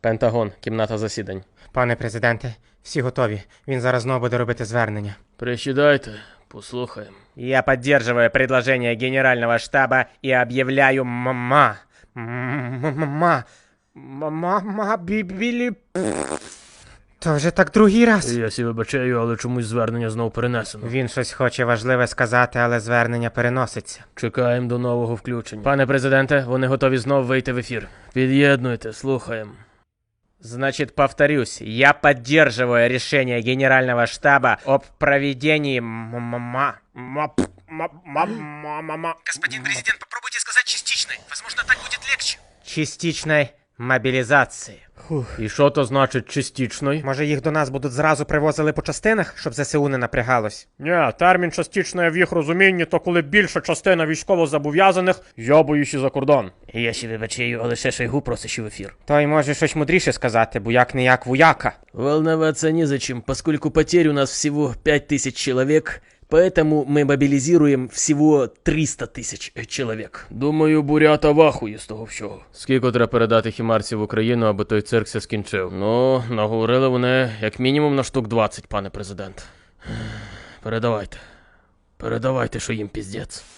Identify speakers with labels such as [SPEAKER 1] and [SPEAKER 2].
[SPEAKER 1] Пентагон, кімната засідань.
[SPEAKER 2] Пане президенте, всі готові. Він зараз знову буде робити звернення.
[SPEAKER 1] Присідайте, послухаємо.
[SPEAKER 2] Я поддерживаю предложение Генерального штаба и объявляю бібілі... То вже так другий раз.
[SPEAKER 1] Я сі вибачаю, але чомусь звернення знов перенесено.
[SPEAKER 2] Він щось хоче важливе сказати, але звернення переноситься.
[SPEAKER 1] Чекаємо до нового включення. Пане президенте, вони готові знов вийти в ефір. Під'єднуйте, слухаємо.
[SPEAKER 2] Значит, повторюсь, я поддерживаю решение Генерального штаба об проведении
[SPEAKER 3] Господин президент, попробуйте сказать частичной. Возможно, так будет легче.
[SPEAKER 2] частичной мобілізації.
[SPEAKER 1] І що то значить частичної?
[SPEAKER 2] Може, їх до нас будуть зразу привозили по частинах, щоб ЗСУ не напрягалось?
[SPEAKER 1] Ні, термін частичної в їх розумінні, то коли більша частина військовозобов'язаних йобуючи за кордон. Я ще вибачаю, але ще Шойгу просить в ефір.
[SPEAKER 2] Той може щось мудріше сказати, бо як-не-як вояка.
[SPEAKER 1] Волноваться незачем, поскольку потерь у нас всего 5000 человек, поэтому мы мобилизируем всего 300 000 человек. Думаю, бурята в ахуї з того всього. Скільки треба передати хімарців в Україну, аби той цирк ся скінчив? Ну, наговорили вони як мінімум на штук 20, пане президент. Передавайте. Передавайте, що їм піздець.